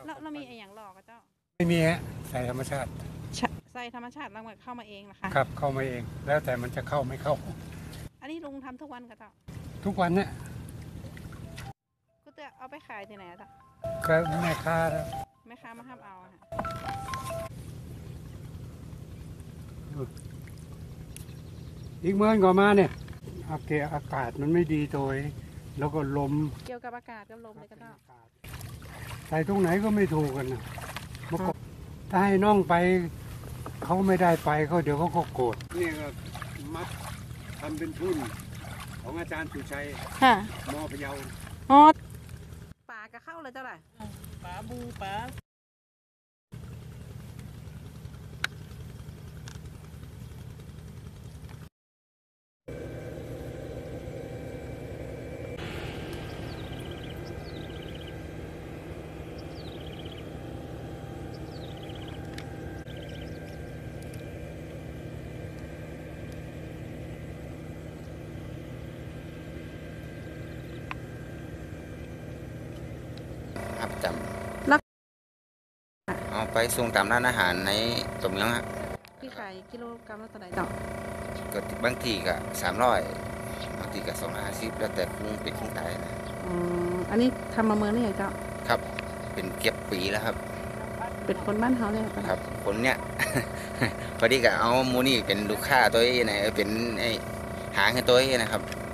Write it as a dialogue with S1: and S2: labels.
S1: เรามีอย่างหลอกอะเจ้า
S2: ไม่มีฮะใส่ธรรมชาติ
S1: ใส่ธรรมชาติแล้วมันเข้ามาเองนะคะ
S2: ครับเข้ามาเองแล้วแต่มันจะเข้าไม่เข้า
S1: อันนี้ลุงทำทุกวันกับเจ้า
S2: ทุกวันเนี่ย
S1: ก็จะเอาไปขายที่ไหนอะเจ้า
S2: ก็แม่ค้า
S1: มาห้ามเอาค่ะ
S2: อีกเมื่อก่อนมาเนี่ยอากาศมันไม่ดีโดยแล้วก็ลม
S1: เกี่ยวกับอากาศกับลมเลยก็เจ้า
S2: ใส่ตรงไหนก็ไม่ถูกกันนะถ้าให้น้องไปเขาไม่ได้ไปเขาเดี๋ยวเขาก็โกรธนี่ก็มัดทำเป็นทุนของอาจารย์สุชัยมอพะเยา
S1: อ๋อปลากระเข้าเลยเจ้าไหร่ปลาบูปลา
S3: ครับจำเอาไปส่งตามร้านอาหารในตัวเมืองฮะ
S1: ที่ขายกิโลกรัมละเท่าไหร่เจ้า
S3: ก็บางทีก็300บางทีก็250แล้วแต่กุ้งเป็นกุ้งตายนะ
S1: อันนี้ทำมาเมืองนี่ไงเจ้า
S3: ครับเป็นเก็บปีแล้วครับ
S1: เป็นคนบ้านเขาเลย
S3: ครับคนเนี้ย พอดีก็เอามูนี่เป็นลูกค้าตัวเองนะเป็นหางให้ตัวเองนะครับ